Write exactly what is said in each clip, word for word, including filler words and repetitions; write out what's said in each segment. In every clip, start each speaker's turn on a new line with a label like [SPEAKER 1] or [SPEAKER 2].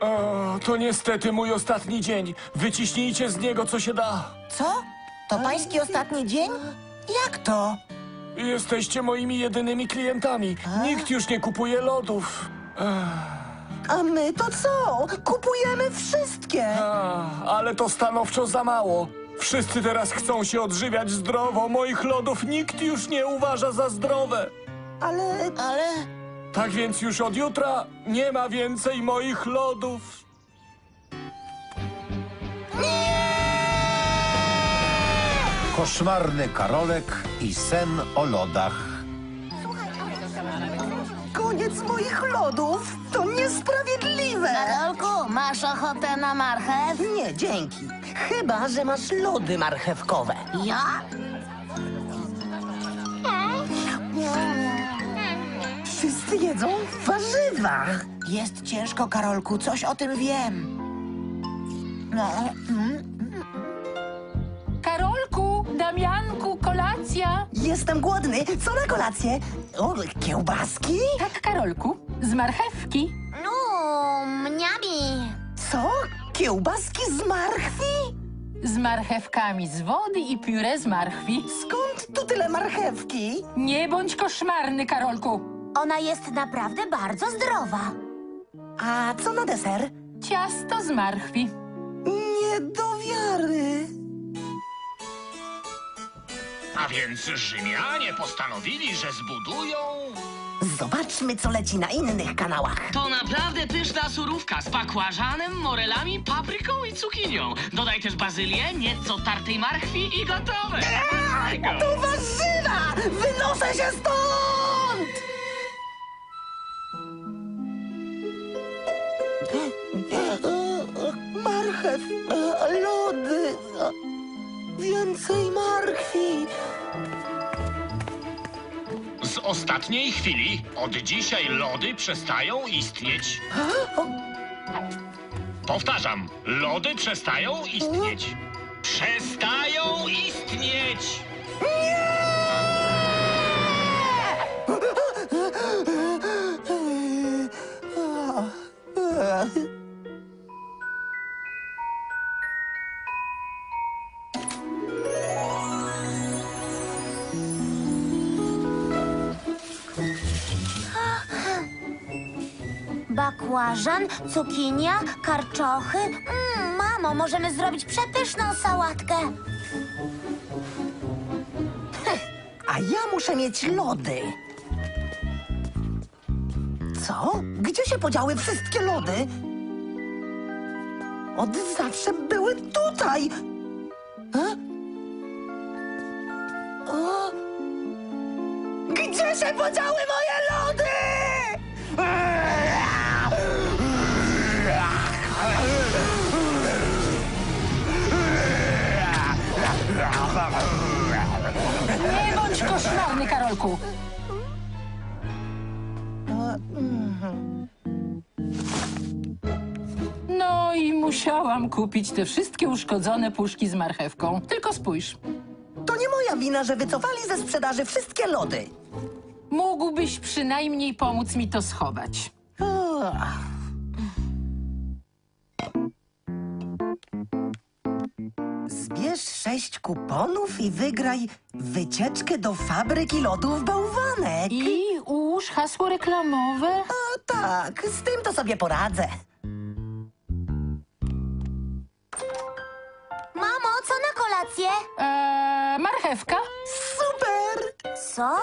[SPEAKER 1] O, to niestety mój ostatni dzień. Wyciśnijcie z niego, co się da.
[SPEAKER 2] Co? To pański ostatni dzień? Jak to?
[SPEAKER 1] Jesteście moimi jedynymi klientami. Nikt już nie kupuje lodów.
[SPEAKER 3] A my to co? Kupujemy wszystkie.
[SPEAKER 1] A, ale to stanowczo za mało. Wszyscy teraz chcą się odżywiać zdrowo. Moich lodów nikt już nie uważa za zdrowe.
[SPEAKER 3] Ale
[SPEAKER 2] Ale...
[SPEAKER 1] Tak więc już od jutra nie ma więcej moich lodów.
[SPEAKER 4] Koszmarny Karolek i sen o lodach.
[SPEAKER 3] koniec moich lodów. To niesprawiedliwe.
[SPEAKER 2] Karolku, masz ochotę na marchew?
[SPEAKER 3] Nie, dzięki. Chyba że masz lody marchewkowe.
[SPEAKER 2] Ja?
[SPEAKER 3] Wszyscy jedzą warzywa.
[SPEAKER 2] Jest ciężko, Karolku, coś o tym wiem. No, mm.
[SPEAKER 5] Karolku, Damianku, kolacja.
[SPEAKER 3] Jestem głodny. Co na kolację? O, kiełbaski?
[SPEAKER 5] Tak, Karolku, z marchewki.
[SPEAKER 2] No, mniami.
[SPEAKER 3] Co? Kiełbaski z marchwi?
[SPEAKER 5] Z marchewkami z wody i pióre z marchwi.
[SPEAKER 3] Skąd tu tyle marchewki?
[SPEAKER 5] Nie bądź koszmarny, Karolku.
[SPEAKER 2] Ona jest naprawdę bardzo zdrowa.
[SPEAKER 3] A co na deser?
[SPEAKER 5] Ciasto z marchwi.
[SPEAKER 3] Nie do wiary.
[SPEAKER 6] A więc Rzymianie postanowili, że zbudują...
[SPEAKER 3] Zobaczmy, co leci na innych kanałach.
[SPEAKER 7] To naprawdę pyszna surówka z bakłażanem, morelami, papryką i cukinią. Dodaj też bazylię, nieco tartej marchwi i gotowe.
[SPEAKER 3] To warzywa! Wynoszę się stąd! Marchew, e, lody, e, więcej marchwi.
[SPEAKER 6] Z ostatniej chwili od dzisiaj lody przestają istnieć. Powtarzam, lody przestają istnieć. Przestają istnieć!
[SPEAKER 2] Bakłażan, cukinia, karczochy. Mm, mamo, możemy zrobić przepyszną sałatkę.
[SPEAKER 3] A ja muszę mieć lody. Co? Gdzie się podziały wszystkie lody? Od zawsze były tutaj. E? O? Gdzie się podziały moje lody?
[SPEAKER 5] Nie bądź koszmarny, Karolku. No i musiałam kupić te wszystkie uszkodzone puszki z marchewką. Tylko spójrz.
[SPEAKER 3] To nie moja wina, że wycofali ze sprzedaży wszystkie lody.
[SPEAKER 5] Mógłbyś przynajmniej pomóc mi to schować.
[SPEAKER 3] Ach. Zbierz sześć kuponów i wygraj wycieczkę do fabryki lodów Bałwanek.
[SPEAKER 5] I ułóż hasło reklamowe.
[SPEAKER 3] A tak, z tym to sobie poradzę.
[SPEAKER 2] Mamo, co na kolację?
[SPEAKER 5] Eee, marchewka?
[SPEAKER 3] Super!
[SPEAKER 2] Co?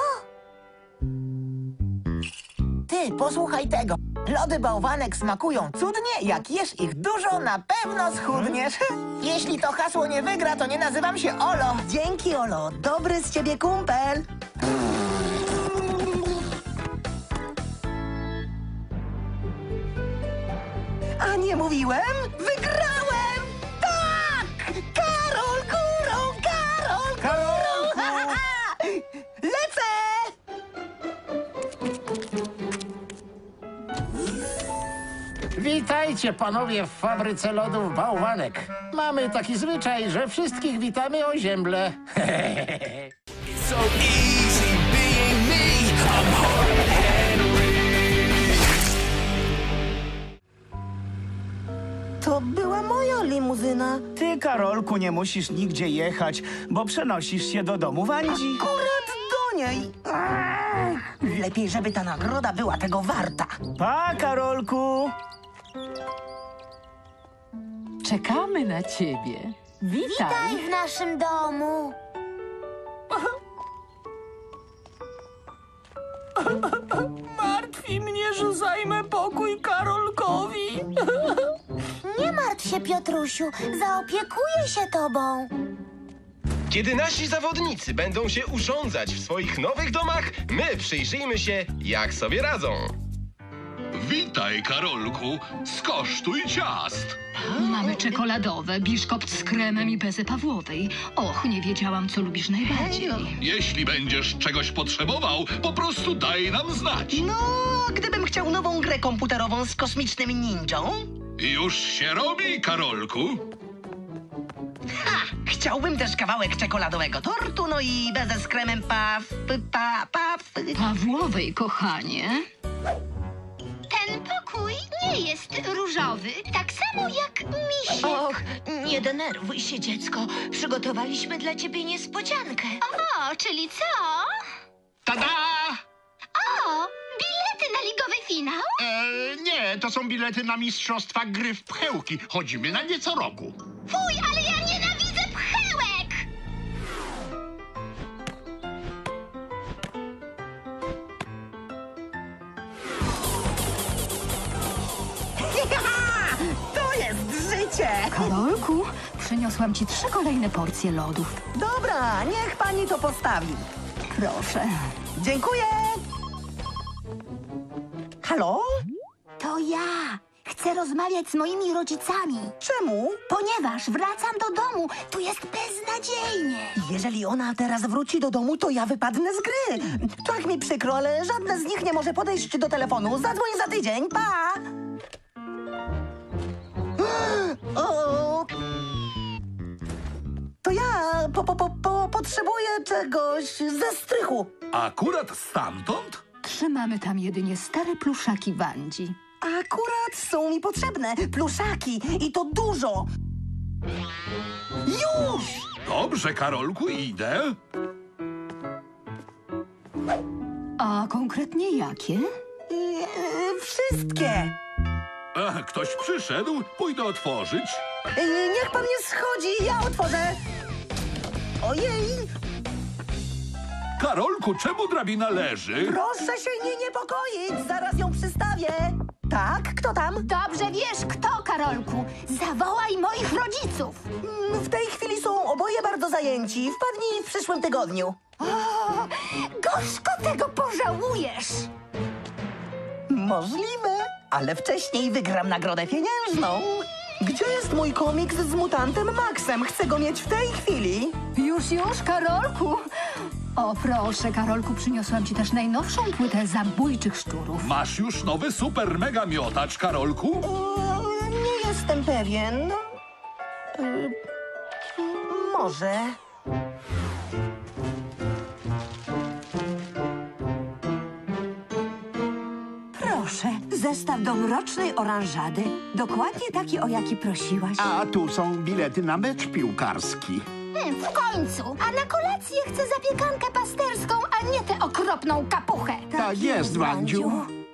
[SPEAKER 8] Ty, posłuchaj tego. Lody bałwanek smakują cudnie, jak jesz ich dużo, na pewno schudniesz. Jeśli to hasło nie wygra, to nie nazywam się Olo.
[SPEAKER 3] Dzięki, Olo. Dobry z ciebie kumpel. A nie mówiłem? Wygrałem! Tak! Karol górą! Karol górą! Lecę!
[SPEAKER 9] Witajcie, panowie, w fabryce lodów Bałwanek. Mamy taki zwyczaj, że wszystkich witamy o ziemble.
[SPEAKER 3] To była moja limuzyna.
[SPEAKER 10] Ty, Karolku, nie musisz nigdzie jechać, bo przenosisz się do domu Wandzi.
[SPEAKER 3] Akurat do niej. Ach, lepiej, żeby ta nagroda była tego warta.
[SPEAKER 10] Pa, Karolku!
[SPEAKER 5] Czekamy na ciebie. Witaj.
[SPEAKER 2] Witaj w naszym domu.
[SPEAKER 1] Martwi mnie, że zajmę pokój Karolkowi.
[SPEAKER 2] Nie martw się, Piotrusiu. Zaopiekuję się tobą.
[SPEAKER 11] Kiedy nasi zawodnicy będą się urządzać w swoich nowych domach, my przyjrzyjmy się, jak sobie radzą.
[SPEAKER 6] Witaj, Karolku. Skosztuj ciast.
[SPEAKER 12] Mamy czekoladowe, biszkopt z kremem i bezę Pawłowej. Och, nie wiedziałam, co lubisz najbardziej.
[SPEAKER 6] Jeśli będziesz czegoś potrzebował, po prostu daj nam znać.
[SPEAKER 8] No, gdybym chciał nową grę komputerową z kosmicznym ninją.
[SPEAKER 6] Już się robi, Karolku.
[SPEAKER 8] Ha! Chciałbym też kawałek czekoladowego tortu, no i bezę z kremem paf, pa, paf.
[SPEAKER 12] Pawłowej, kochanie.
[SPEAKER 2] Ten pokój nie jest różowy, tak samo jak misiek. Och, nie denerwuj się, dziecko. Przygotowaliśmy dla ciebie niespodziankę. O, czyli co?
[SPEAKER 6] Tada!
[SPEAKER 2] O, bilety na ligowy finał?
[SPEAKER 6] E, nie, to są bilety na mistrzostwa gry w pchełki. Chodzimy na nie co roku.
[SPEAKER 2] Fuj, ale ja nienawidzę pchełek!
[SPEAKER 3] To jest życie!
[SPEAKER 12] Karolku, przyniosłam ci trzy kolejne porcje lodów.
[SPEAKER 3] Dobra, niech pani to postawi.
[SPEAKER 12] Proszę.
[SPEAKER 3] Dziękuję! Halo?
[SPEAKER 2] To ja. Chcę rozmawiać z moimi rodzicami.
[SPEAKER 3] Czemu?
[SPEAKER 2] Ponieważ wracam do domu. Tu jest beznadziejnie.
[SPEAKER 3] Jeżeli ona teraz wróci do domu, to ja wypadnę z gry. Tak mi przykro, ale żadne z nich nie może podejść do telefonu. Zadzwoń za tydzień, pa! O! To ja po, po, po, po, potrzebuję czegoś ze strychu.
[SPEAKER 6] Akurat stamtąd?
[SPEAKER 12] Trzymamy tam jedynie stare pluszaki Wandzi.
[SPEAKER 3] Akurat są mi potrzebne pluszaki i to dużo. Już!
[SPEAKER 6] Dobrze, Karolku, idę.
[SPEAKER 12] A konkretnie jakie?
[SPEAKER 3] Eee, wszystkie.
[SPEAKER 6] Ach, ktoś przyszedł, pójdę otworzyć.
[SPEAKER 3] Eee, niech pan nie schodzi, ja otworzę. Ojej,
[SPEAKER 6] Karolku, czemu drabina leży?
[SPEAKER 3] proszę się nie niepokoić, zaraz ją przystawię. Tak, kto tam?
[SPEAKER 2] Dobrze wiesz kto, Karolku. Zawołaj moich rodziców.
[SPEAKER 3] Mm, W tej chwili są oboje bardzo zajęci. Wpadnij w przyszłym tygodniu.
[SPEAKER 2] O, gorzko tego pożałujesz.
[SPEAKER 3] Możliwe, ale wcześniej wygram nagrodę pieniężną. Gdzie jest mój komiks z mutantem Maxem? Chcę go mieć w tej chwili.
[SPEAKER 12] Już, już, Karolku. O, proszę, Karolku, przyniosłam ci też najnowszą płytę zabójczych szczurów.
[SPEAKER 6] Masz już nowy super mega miotacz, Karolku?
[SPEAKER 3] Eee, nie jestem pewien. Eee, może.
[SPEAKER 13] Proszę, zestaw do mrocznej oranżady. Dokładnie taki, o jaki prosiłaś.
[SPEAKER 9] A tu są bilety na mecz piłkarski.
[SPEAKER 2] Hmm, w końcu. A na kolację chcę zapiekankę pasterską, a nie tę okropną kapuchę.
[SPEAKER 9] Tak jest, Wandziu.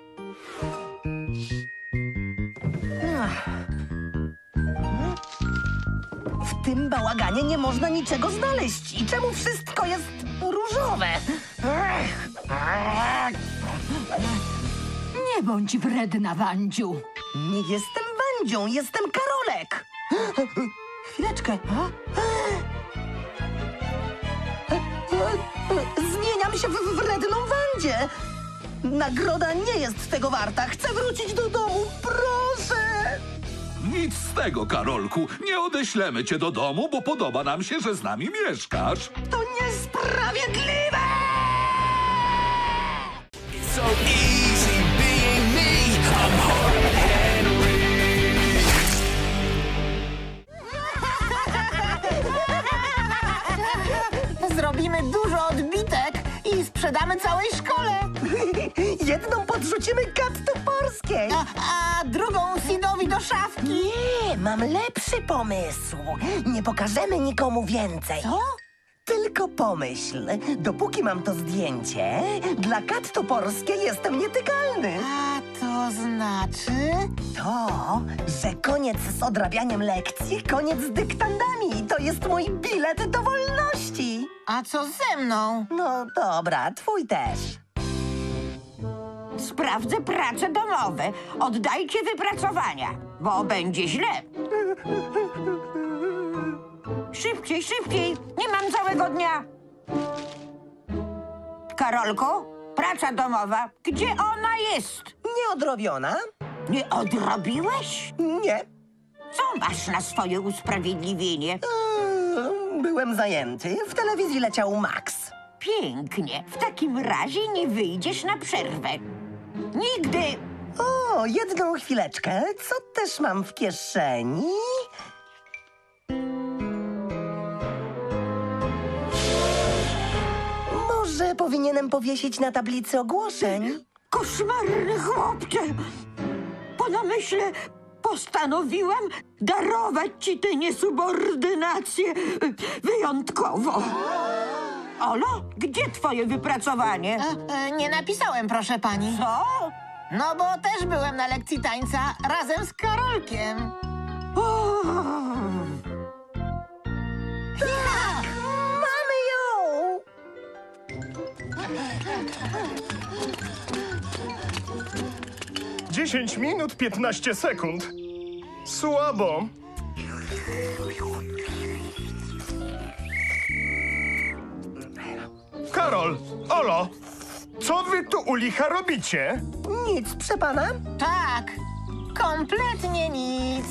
[SPEAKER 3] W tym bałaganie nie można niczego znaleźć. I czemu wszystko jest różowe?
[SPEAKER 12] Nie bądź wredna, Wandziu.
[SPEAKER 3] Nie jestem Wandzią, jestem Karolek. Chwileczkę. Zmieniam się w wredną Wandzię. Nagroda nie jest tego warta. Chcę wrócić do domu, proszę.
[SPEAKER 6] Nic z tego, Karolku. Nie odeślemy cię do domu, bo podoba nam się, że z nami mieszkasz.
[SPEAKER 3] To niesprawiedliwe!
[SPEAKER 1] So easy being me. I'm hard
[SPEAKER 8] Zrobimy dużo odbitek i sprzedamy całej szkole.
[SPEAKER 3] Jedną podrzucimy Kat Toporskiej.
[SPEAKER 8] A, a drugą Sidowi wrzuć do szafki.
[SPEAKER 3] Nie, mam lepszy pomysł. Nie pokażemy nikomu więcej.
[SPEAKER 8] Co?
[SPEAKER 3] Tylko pomyśl, dopóki mam to zdjęcie, dla kat toporskiej jestem nietykalny.
[SPEAKER 8] A to znaczy?
[SPEAKER 3] To, że koniec z odrabianiem lekcji, koniec z dyktandami. To jest mój bilet do wolności.
[SPEAKER 8] A co ze mną?
[SPEAKER 3] No dobra, twój też.
[SPEAKER 13] Sprawdzę prace domowe. Oddajcie wypracowania, bo będzie źle. Szybciej, szybciej. Nie mam całego dnia. Karolko, praca domowa. Gdzie ona jest?
[SPEAKER 3] Nieodrobiona?
[SPEAKER 13] Nie odrobiłeś?
[SPEAKER 3] Nie.
[SPEAKER 13] Co masz na swoje usprawiedliwienie?
[SPEAKER 3] Eee, byłem zajęty. W telewizji leciał Max.
[SPEAKER 13] Pięknie. W takim razie nie wyjdziesz na przerwę. Nigdy!
[SPEAKER 3] O, jedną chwileczkę. Co też mam w kieszeni? Może powinienem powiesić na tablicy ogłoszeń?
[SPEAKER 13] Koszmarny chłopcze! Po namyśle postanowiłam darować ci tę niesubordynację wyjątkowo. Olo, gdzie twoje wypracowanie?
[SPEAKER 8] E, e, nie napisałem, proszę pani.
[SPEAKER 13] Co?
[SPEAKER 8] No bo też byłem na lekcji tańca razem z Karolkiem.
[SPEAKER 13] O,
[SPEAKER 3] Tak! Mamy ją!
[SPEAKER 1] dziesięć minut, piętnaście sekund. Słabo. Karol, Olo, co wy tu u licha robicie?
[SPEAKER 3] Nic, proszę pana?
[SPEAKER 8] Tak, kompletnie nic.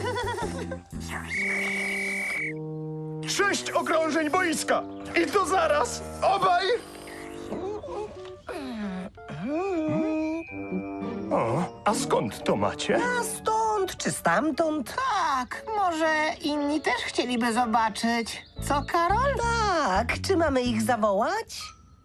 [SPEAKER 1] Sześć okrążeń boiska. I to zaraz. Obaj. O, a skąd to macie?
[SPEAKER 3] A stąd czy stamtąd?
[SPEAKER 8] Tak, może inni też chcieliby zobaczyć. Co, Karol?
[SPEAKER 3] Tak, czy mamy ich zawołać?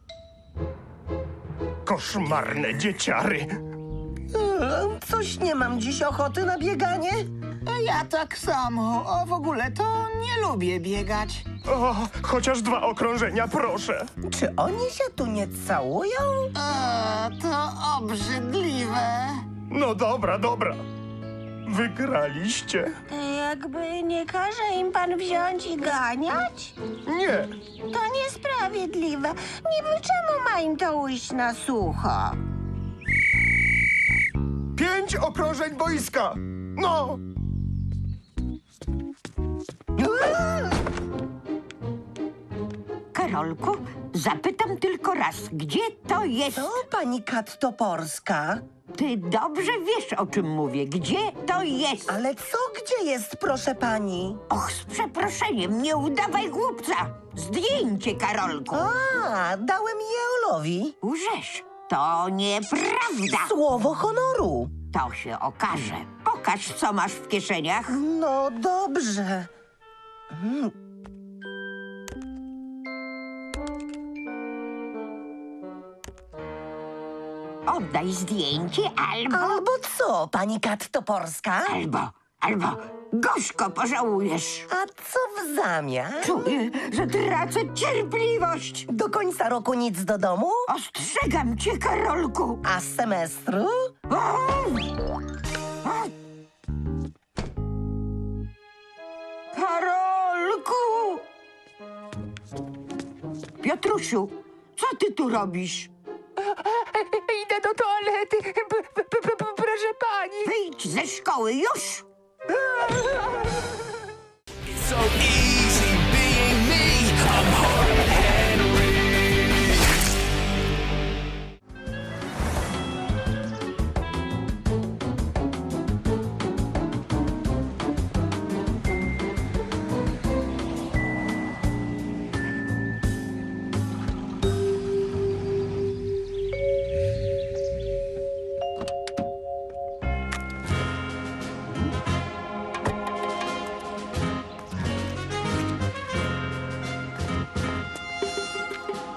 [SPEAKER 1] Koszmarne dzieciary.
[SPEAKER 3] Eee, Coś nie mam dziś ochoty na bieganie.
[SPEAKER 8] Ja tak samo. O, w ogóle to nie lubię biegać.
[SPEAKER 1] O, chociaż dwa okrążenia, proszę.
[SPEAKER 3] Czy oni się tu nie całują?
[SPEAKER 8] O, to obrzydliwe.
[SPEAKER 1] No dobra, dobra. Wygraliście.
[SPEAKER 13] jakby nie każe im pan wziąć i ganiać?
[SPEAKER 1] Nie.
[SPEAKER 13] To niesprawiedliwe. Niby czemu ma im to ujść na sucho?
[SPEAKER 1] Pięć okrążeń boiska. No.
[SPEAKER 13] Karolku, zapytam tylko raz, gdzie to jest?
[SPEAKER 3] To pani Kat Toporska.
[SPEAKER 13] Ty dobrze wiesz, o czym mówię. Gdzie to jest?
[SPEAKER 3] Ale co gdzie jest, proszę pani?
[SPEAKER 13] Och, z przeproszeniem, nie udawaj głupca. Zdjęcie, Karolku.
[SPEAKER 3] A, dałem je Olowi.
[SPEAKER 13] Łżesz. To nieprawda.
[SPEAKER 3] Słowo honoru.
[SPEAKER 13] To się okaże. Pokaż, co masz w kieszeniach.
[SPEAKER 3] No dobrze. Mm.
[SPEAKER 13] Oddaj zdjęcie albo...
[SPEAKER 3] Albo co, pani Kat Toporska?
[SPEAKER 13] Albo, albo gorzko pożałujesz.
[SPEAKER 3] A co w zamian?
[SPEAKER 13] Czuję, że tracę cierpliwość.
[SPEAKER 3] Do końca roku nic do domu?
[SPEAKER 13] Ostrzegam cię, Karolku.
[SPEAKER 3] A z semestru?
[SPEAKER 13] O! O! Karolku! Piotrusiu, co ty tu robisz?
[SPEAKER 3] Idę do toalety, proszę pani.
[SPEAKER 13] Wyjdź ze szkoły już!
[SPEAKER 14] So easy being me. I'm hard Henry.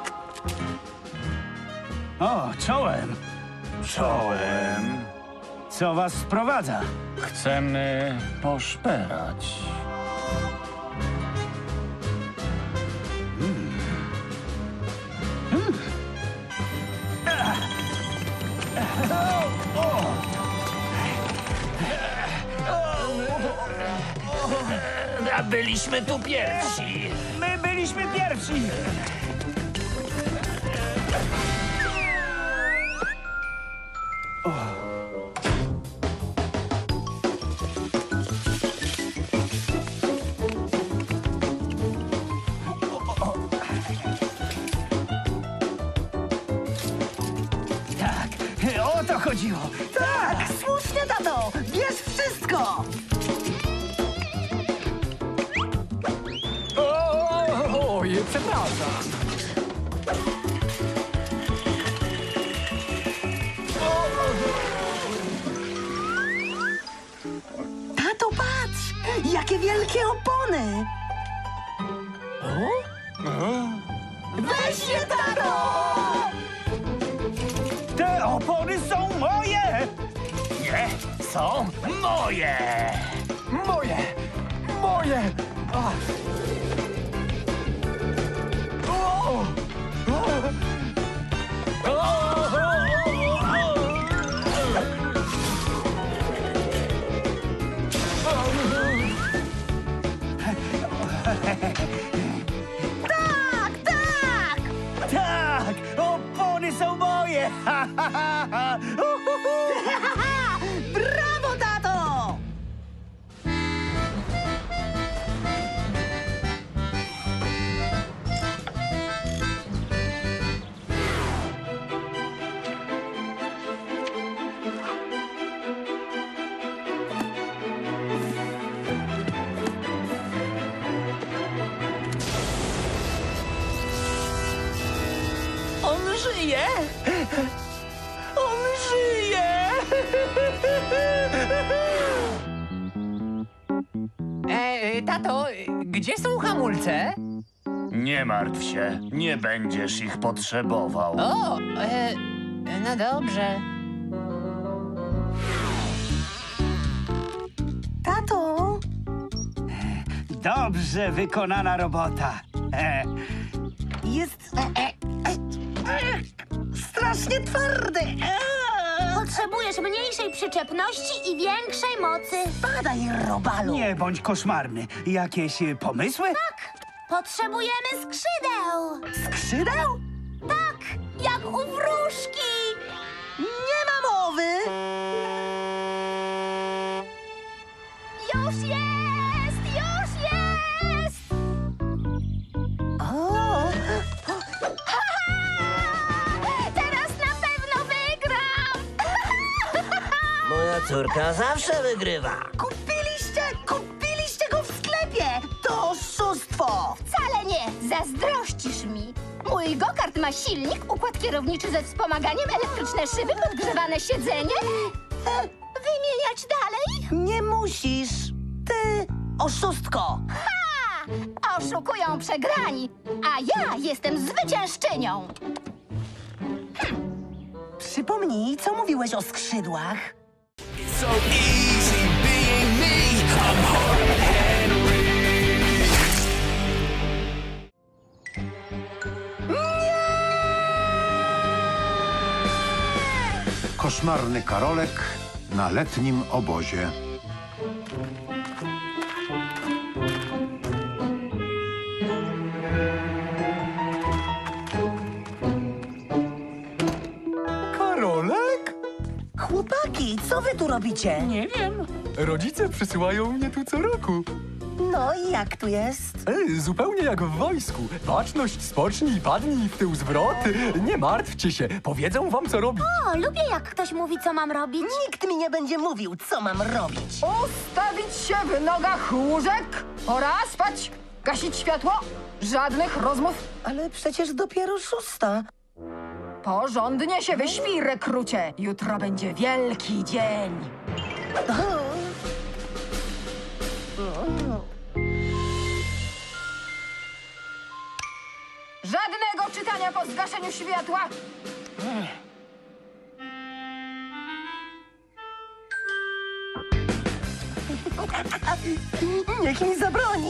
[SPEAKER 10] O, czołem.
[SPEAKER 1] Czołem.
[SPEAKER 10] Co was sprowadza?
[SPEAKER 1] Chcemy poszperać.
[SPEAKER 9] A byliśmy tu pierwsi.
[SPEAKER 10] My byliśmy pierwsi! Tak, o to chodziło!
[SPEAKER 3] Tak, słusznie, tato! Bierz wszystko!
[SPEAKER 1] Oj, przepraszam.
[SPEAKER 3] Tato, patrz! Jakie wielkie opony! Weź je, tato!
[SPEAKER 10] Te opony są moje!
[SPEAKER 9] Nie, są moje.
[SPEAKER 1] Moje! Moje! A. O! O!
[SPEAKER 3] Tak, tak!
[SPEAKER 10] Tak! Opony są moje! Ha, ha, ha, ha. Uhuhu.
[SPEAKER 3] Brawo, tato!
[SPEAKER 8] On żyje! On żyje!
[SPEAKER 15] E, tato, gdzie są hamulce?
[SPEAKER 9] Nie martw się, nie będziesz ich potrzebował.
[SPEAKER 15] O, e, no dobrze.
[SPEAKER 3] Tato!
[SPEAKER 10] Dobrze wykonana robota. E,
[SPEAKER 3] Jest... e, e, e, e, strasznie twardy! E,
[SPEAKER 2] Potrzebujesz mniejszej przyczepności i większej mocy.
[SPEAKER 3] Badaj, robalu!
[SPEAKER 10] nie bądź koszmarny. Jakieś e, pomysły?
[SPEAKER 2] Potrzebujemy skrzydeł.
[SPEAKER 3] Skrzydeł?
[SPEAKER 2] Tak, jak u wróżki.
[SPEAKER 3] Nie ma mowy!
[SPEAKER 2] Już jest, już jest.
[SPEAKER 3] O!
[SPEAKER 2] Teraz na pewno wygram.
[SPEAKER 8] Moja córka zawsze wygrywa.
[SPEAKER 3] Kupiliście, kupiliście go w sklepie! To oszustwo!
[SPEAKER 2] Wcale nie, zazdrościsz mi. Mój go-kart ma silnik, układ kierowniczy ze wspomaganiem, elektryczne szyby, podgrzewane siedzenie. E, Wymieniać dalej?
[SPEAKER 3] Nie musisz! Ty, oszustko!
[SPEAKER 2] Ha! Oszukują przegrani, a ja jestem zwyciężczynią.
[SPEAKER 3] Przypomnij, co mówiłeś o skrzydłach?
[SPEAKER 14] So easy being me. I'm hard and
[SPEAKER 4] Koszmarny Karolek na letnim obozie.
[SPEAKER 1] Karolek?
[SPEAKER 3] Chłopaki, co wy tu robicie?
[SPEAKER 5] Nie wiem.
[SPEAKER 1] Rodzice przysyłają mnie tu co roku.
[SPEAKER 3] No i jak tu jest?
[SPEAKER 1] Ej, zupełnie jak w wojsku. Baczność, spocznij, padnij, w tył zwrot. Nie martwcie się, powiedzą wam co robić.
[SPEAKER 2] O, lubię jak ktoś mówi, co mam robić.
[SPEAKER 3] Nikt mi nie będzie mówił, co mam robić.
[SPEAKER 12] Ustawić się w nogach łóżek. Pora spać. Gasić światło. Żadnych rozmów.
[SPEAKER 3] Ale przecież dopiero szósta.
[SPEAKER 12] Porządnie się wyśpij, rekrucie. Jutro będzie wielki dzień. Żadnego czytania po zgaszeniu światła.
[SPEAKER 3] Niech mi zabroni.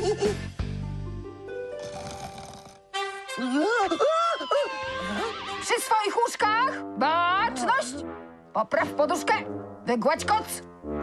[SPEAKER 12] Przy swoich łóżkach! Baczność! Popraw poduszkę! Wygładź koc!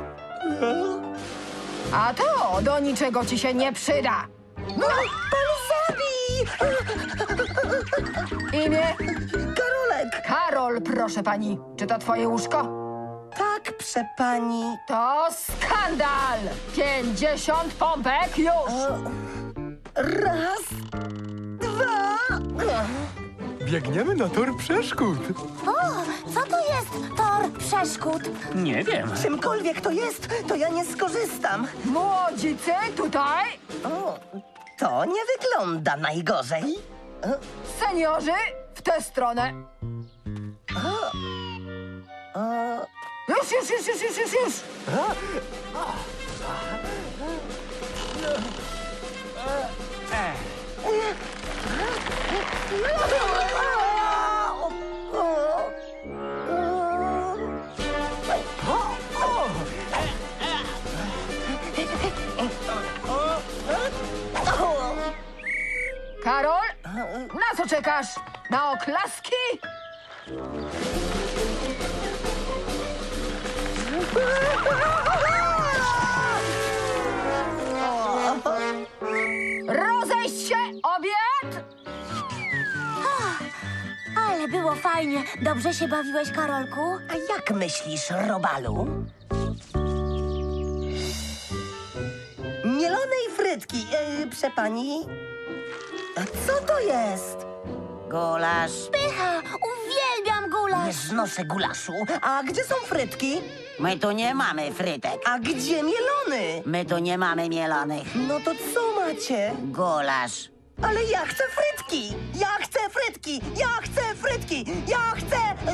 [SPEAKER 12] A to do niczego ci się nie przyda!
[SPEAKER 3] No, pan zabij!
[SPEAKER 12] Imię?
[SPEAKER 3] Karolek.
[SPEAKER 12] Karol, proszę pani. Czy to twoje łóżko?
[SPEAKER 3] Tak, prze pani.
[SPEAKER 12] To skandal! Pięćdziesiąt pompek już!
[SPEAKER 3] Raz, dwa...
[SPEAKER 1] Biegniemy na tor przeszkód.
[SPEAKER 2] O, co to jest tor przeszkód?
[SPEAKER 10] Nie wiem.
[SPEAKER 3] Czymkolwiek to jest, to ja nie skorzystam.
[SPEAKER 12] Młodzicy, tutaj!
[SPEAKER 3] O, to nie wygląda najgorzej.
[SPEAKER 12] Seniorzy, w tę stronę! Już, już, już, już, już, już, już! Karol, na co czekasz? Na oklaski? Rozejść się, obiad!
[SPEAKER 2] Ale było fajnie. Dobrze się bawiłeś, Karolku?
[SPEAKER 3] A jak myślisz, Robalu? Mielonej frytki, yy, prze pani. A co to jest? Gulasz.
[SPEAKER 2] Pycha! Uwielbiam
[SPEAKER 3] Nie
[SPEAKER 2] gulasz!
[SPEAKER 3] znoszę gulaszu. A gdzie są frytki?
[SPEAKER 8] My tu nie mamy frytek.
[SPEAKER 3] A gdzie mielony?
[SPEAKER 8] My tu nie mamy mielonych.
[SPEAKER 3] No to co macie?
[SPEAKER 8] Gulasz.
[SPEAKER 3] Ale ja chcę frytki! Ja chcę frytki! Ja chcę frytki! Ja chcę...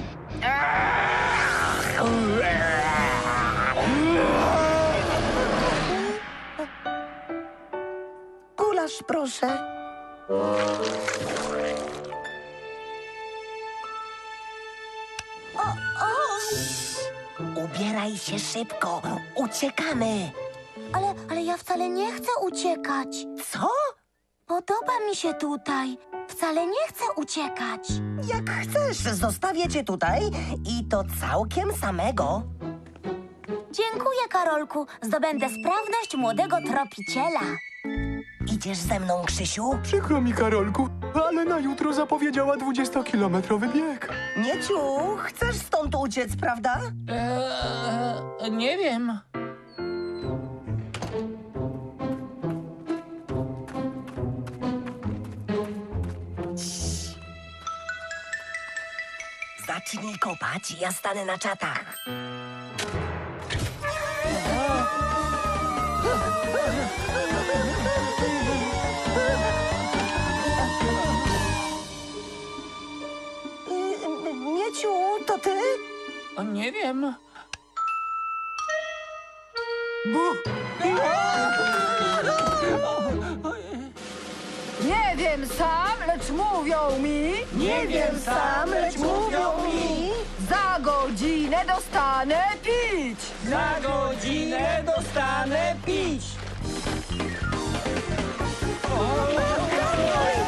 [SPEAKER 3] Gulasz, proszę. O, o. Ubieraj się szybko. Uciekamy.
[SPEAKER 2] Ale, ale ja wcale nie chcę uciekać.
[SPEAKER 3] Co?
[SPEAKER 2] Podoba mi się tutaj. Wcale nie chcę uciekać.
[SPEAKER 3] Jak chcesz, zostawię cię tutaj i to całkiem samego.
[SPEAKER 2] Dziękuję, Karolku. Zdobędę sprawność młodego tropiciela.
[SPEAKER 3] Idziesz ze mną, Krzysiu?
[SPEAKER 1] Przykro mi, Karolku, ale na jutro zapowiedziała dwudziestokilometrowy bieg.
[SPEAKER 3] Mieciu, chcesz stąd uciec, prawda?
[SPEAKER 15] Eee, nie wiem.
[SPEAKER 3] Zacznij kopać, ja stanę na czatach. Y, Mieciu, to ty?
[SPEAKER 15] O, nie wiem.
[SPEAKER 12] Nie wiem sam, lecz mówią mi...
[SPEAKER 3] Nie wiem sam, lecz mówią mi.
[SPEAKER 12] Za godzinę dostanę pić!
[SPEAKER 10] Za godzinę dostanę pić.
[SPEAKER 3] Karol!